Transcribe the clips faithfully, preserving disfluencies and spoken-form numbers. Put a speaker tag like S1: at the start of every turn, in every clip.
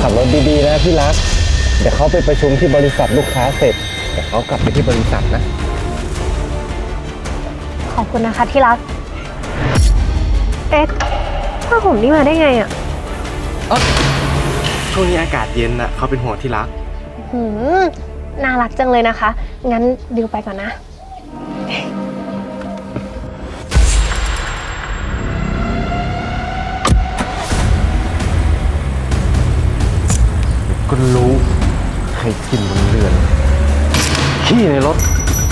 S1: บรถดีๆนะพี่รักเดี๋ยวเขาไปประชุมที่บริษัทลูกค้าเสร็จเดี๋ยวเขากลับไปที่บริษัทนะ
S2: ขอบคุณนะคะที่รักเอ๊ะผ้าห่มนี่มาได้ไงอ่ะ
S1: ช่วงนี้อากาศเย็นน่ะเขาเป็นห่วงที่รัก
S2: หืมน่ารักจังเลยนะคะงั้นดิวไปก่อนนะ
S1: ก็รู้ใครกินบนเรือนขี้ในรถ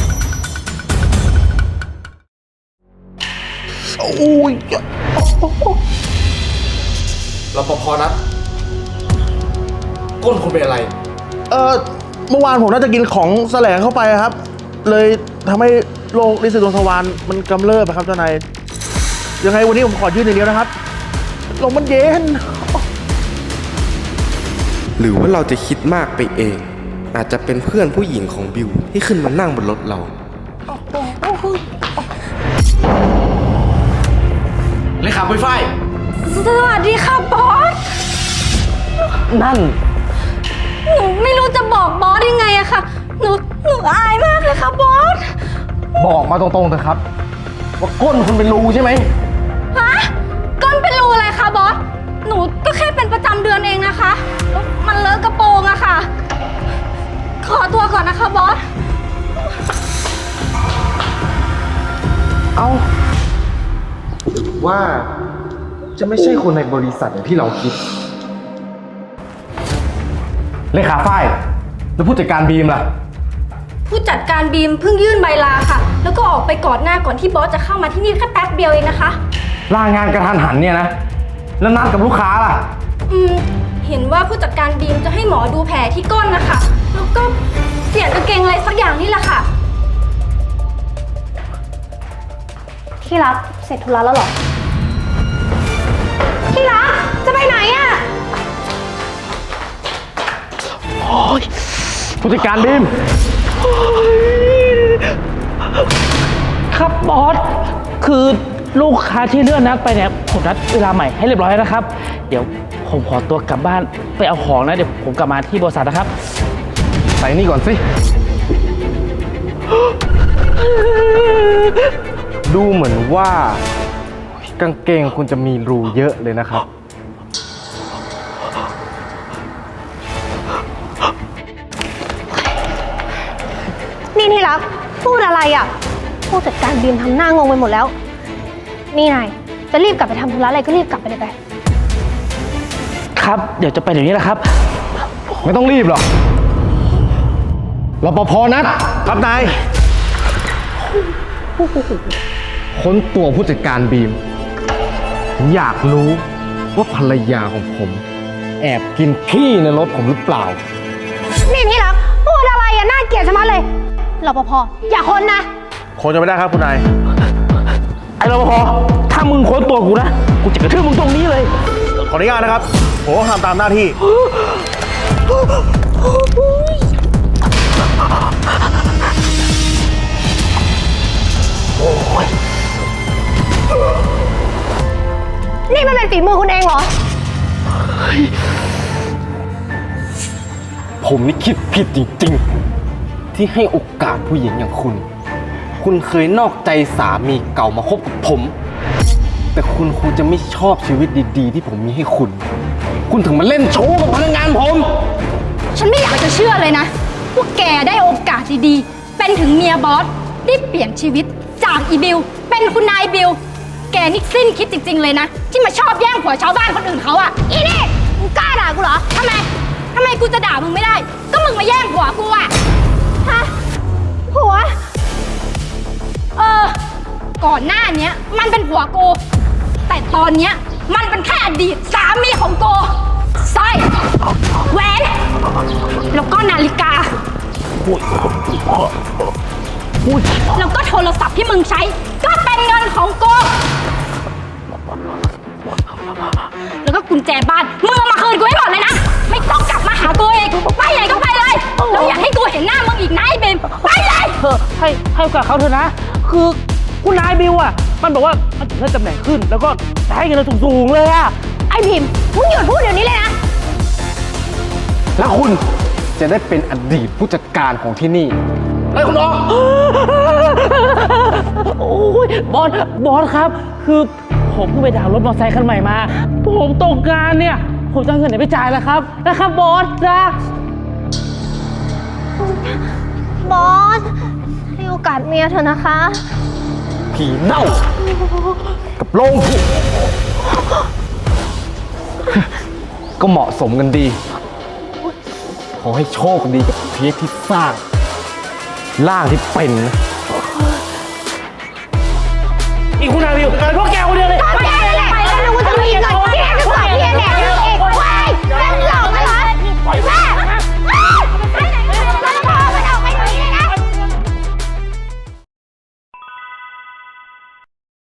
S1: โอ้ยรปภนัดก้นคุณเป็นอะไร
S3: เออเมื่อวานผมน่าจะกินของแสลงเข้าไปครับเลยทำให้โรคลิ้นปี่ดวงทวารมันกำเริบครับเจ้านายยังไงวันนี้ผมขอยื่นอย่างเดียวนะครับลมมันเย็น
S4: หรือว่าเราจะคิดมากไปเองอาจจะเป็นเพื่อนผู้หญิงของบิวที่ขึ้นมานั่งบนรถเรา
S3: เลยครับไวไฟ
S5: สวัสดีค่ะบอส
S1: นั่น
S5: หนูไม่รู้จะบอกบอสยังไงอะค่ะหนูหนูอายมากเลยค่ะบอส
S1: บอกมาตรงๆเถอะครับว่าก้นคุณเป็นรูใช่ไหม
S5: ฮะก้นเป็นรูอะไรคะบอสหนูก็แค่เป็นประจำเดือนเองนะคะแล้วมันเลอะกระโปรงอะค่ะขอตัวก่อนนะคะบอส
S1: เอาว่าจะไม่ใช่คนในบริษัทอย่างที่เราคิดเลขาฝ้ายแล้วผู้จัดการบีมล่ะ
S5: ผู้จัดการบีมเพิ่งยื่นใบลาค่ะแล้วก็ออกไปก่อนหน้าก่อนที่บอสจะเข้ามาที่นี่แค่แป๊บเดียวเองนะคะ
S1: ลางานกระทันหันเนี่ยนะแล้วนัดกับลูกค้าล่ะ
S5: อืมเห็นว่าผู้จัดการบีมจะให้หมอดูแผลที่ก้นนะคะแล้วก็เปลี่ยนกางเกงอะไรสักอย่างนี่แหละค่ะ
S2: ที่รักเสร็จธุระแล้วเหรอที่รักจะไปไหนอะ
S1: โอ้ยผู้จัดการบีม
S6: ครับบอสคือลูกค้าที่เลื่อนนัดไปเนี่ยผมนัดเวลาใหม่ให้เรียบร้อยแล้วนะครับเดี๋ยวผมขอตัวกลับบ้านไปเอาของนะเดี๋ยวผมกลับมาที่บริษัทนะครับ
S1: ใส่นี่ก่อนสิดูเหมือนว่ากางเกงคุณจะมีรูเยอะเลยนะครับ
S2: นี่ที่รักพูดอะไรอ่ะผู้จัดการบีมทำหน้างงไปหมดแล้วนี่นายจะรีบกลับไปทำธุระอะไรก็รีบกลับไปเลยไป
S6: ครับเดี๋ยวจะไปเดี๋ยวนี้แหละครับ
S1: ไม่ต้องรีบหรอกรปภนัด
S3: ครับนาย
S1: ค้นตัวผู้จัดการบีมอยากรู้ว่าภรรยาของผมแอบกินขี้ในรถผมหรือเปล่า
S2: นี่ที่รักพูดอะไรอ่ะน่าเกลียดชะมัดเลยรปภอย่าค้นนะ
S3: คนจะไม่ได้ครับคุณนาย
S6: ไอ้รปภถ้ามึงค้นตัวกูนะกูจะกระทืบมึงตรงนี้เลย
S3: ขออนุญาตนะครับผมก็ทำตามหน้าที่
S2: นี่มันเป็นฝีมือคุณเองเหรอ
S1: ผมนี่คิดผิดจริงๆที่ให้โอกาสผู้หญิงอย่างคุณคุณเคยนอกใจสามีเก่ามาคบกับผมแต่คุณคงจะไม่ชอบชีวิตดีๆที่ผมมีให้คุณคุณถึงมาเล่นโชว์กับพนักงานผม
S5: ฉันไม่อยากจะเชื่อเลยนะว่าแกได้โอกาสดีๆเป็นถึงเมียบอสได้เปลี่ยนชีวิตจากอีบิวเป็นคุณนายบิวแกนี่สิ้นคิดจริงๆเลยนะที่มาชอบแย่งผัวชาวบ้านคนอื่นเขาอะอีนี่มึงกล้าด่ากูเหรอทำไมทำไมกูจะด่ามึงไม่ได้ก็มึงมาแย่งผัวกูอะฮะผัวเออก่อนหน้านี้มันเป็นผัวกูแต่ตอนเนี้ยมันเป็นแค่อดีตสามีของกูสร้อยแหวนแล้วก็นาฬิกาแล้วก็โทรศัพท์ที่มึงใช้ก็เป็นเงินของกูแล้วก็กุญแจบ้านมึงเอามาคืนกูให้หมดเลยนะไม่ต้องกลับมาหากูอีกไปไหนก็ไปเลยแล้วอย่าให้กูเห็นหน้ามึงอีกนะไอ้เบมไปเลย
S6: เธอให้ให้โอกาสเขาเถอะนะคือคุณนายบิวอ่ะมันบอกว่ามันจะเลื่อนตำแหน่งขึ้นแล้วก็จะให้เงินเราสูงๆเลยอ่ะ
S2: ไอ้พิมพ์มึงหยุดพูดเดี๋ยวนี้เลยนะ
S1: แล้วคุณจะได้เป็นอดีตผู้จัดการของที่นี่ไล่คุณออก
S6: โอ้ยบอส บอสครับ คือผมเพิ่งไปดาวน์รถมอเตอร์ไซค์คันใหม่มา ผมตกงานเนี่ย ผมจะเอาเงินไหนไปจ่ายล่ะครับ นะครับบอสนะ
S2: บอส ให้โอกาสเมียเถอะนะคะ
S1: ผีเน่า กับโรงผีก็เหมาะสมกันดี ขอให้โชคดีกับเทปที่สร้างร่างที่เป็นนะ
S6: อีกคุณนายวิวพวก